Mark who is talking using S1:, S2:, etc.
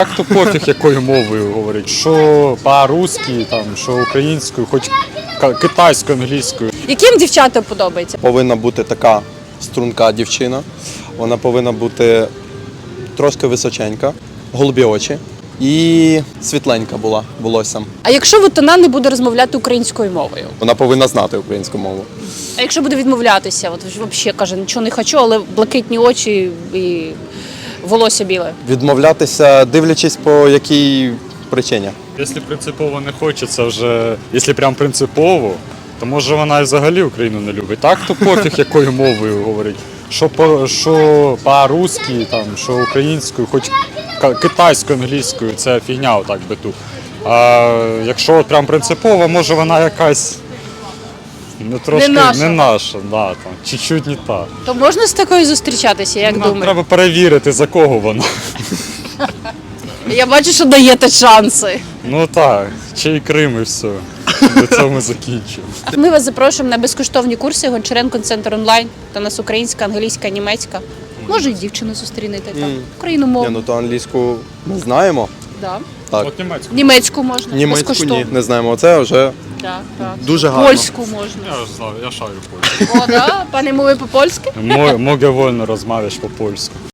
S1: Так то пофіг, якою мовою говорить. Що по-русски, там, що українською, хоч китайською, англійською.
S2: Яким дівчатам подобається?
S3: Повинна бути така струнка дівчина, вона повинна бути трошки височенька, голубі очі і світленька була волоссям.
S2: А якщо от вона не буде розмовляти українською мовою?
S3: Вона повинна знати українську мову.
S2: А якщо буде відмовлятися? От взагалі каже, нічого не хочу, але блакитні очі і волосся біле.
S3: Відмовлятися, дивлячись по якій причині.
S1: Якщо принципово не хочеться вже, якщо прям принципово, то може вона і взагалі Україну не любить. Так то пофіг, якою мовою говорить. Що по-русски, там, що українською, хоч китайською, англійською, це фігня отак би тут. А якщо от прям принципово, може вона якась трошки не наша, да, там, чуть-чуть не та.
S2: То можна з такою зустрічатися, як думаєте?
S1: Треба перевірити, за кого вона.
S2: Я бачу, що даєте шанси.
S1: Ну так, чий Крим і все. До цього ми закінчимо.
S2: Ми вас запрошуємо на безкоштовні курси Гончаренко Центр онлайн. Та у нас українська, англійська, німецька. Може, і дівчину зустрінете там. Україномовну.
S3: Ні, ну то англійську ми знаємо.
S2: Да.
S3: Так.
S1: От німецьку.
S2: Німецьку можна.
S3: Німецьку
S2: безкоштовно.
S3: ні, не знаємо. Це вже
S2: Да, так.
S3: дуже гарно.
S2: Польську можна.
S1: Я ж знаю, я шарю польську.
S2: О, да? Пане мови по-польськи?
S1: Mogę wolno rozmawiać po polsku.